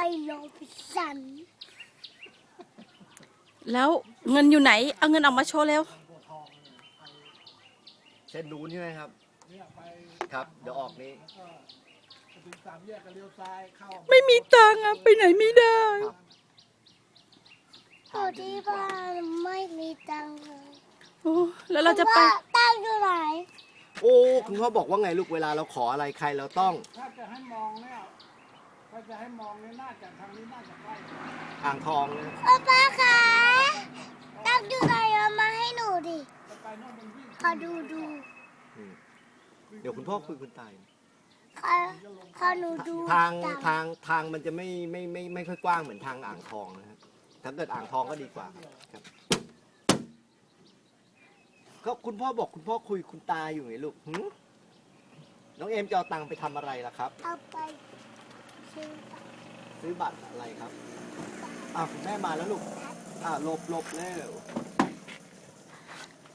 โรบินสันแล้วเงินอยู่ไหนเอาเงินออกมาโชว์เร็วเส้นนู้นใช่ไหมครับเนี่ยไปครับ เดี๋ยวออกนี้แล้วก็ไปถึงสามแยกก็เลี้ยวซ้ายเข้าไม่มีตังค์อะไปไหนไม่ได้ครับอยู่ที่บ้านไม่มีตังค์เลยโอ้แล้วเราจะไปว่าตังค์อยู่ไหนโอ้คุณพ่อบอกว่าไงลูกเวลาเราขออะไรใครเราต้องถ้าจะให้มองเนี่ยถ้าจะให้มองเนี่ยน่าจะทางนี้น่าจะใกล้อ่างทองนะป้าคะตังค์อยู่ไหนเอามาให้หนูดิจะไปโน่นมันวิ่งขอดูอืมเดี๋ยวคุณพ่อคุยคุณตายขอหนูดูทางตัค์ทางมันจะไม่ค่อยกว้างเหมือนทางอ่างทองนะครับถ้าเกิดอ่างทองก็ดีกว่าครับก็คุณพ่อบอกคุณพ่อคุยคุณตาอยู่ไงลูกหึน้องเอมจะเอาตังค์ไปทำอะไรล่ะครับเอาไปซื้อตังค์ซื้อบัตรอะไรครับคุณแม่มาแล้วลูกหลบเร็ว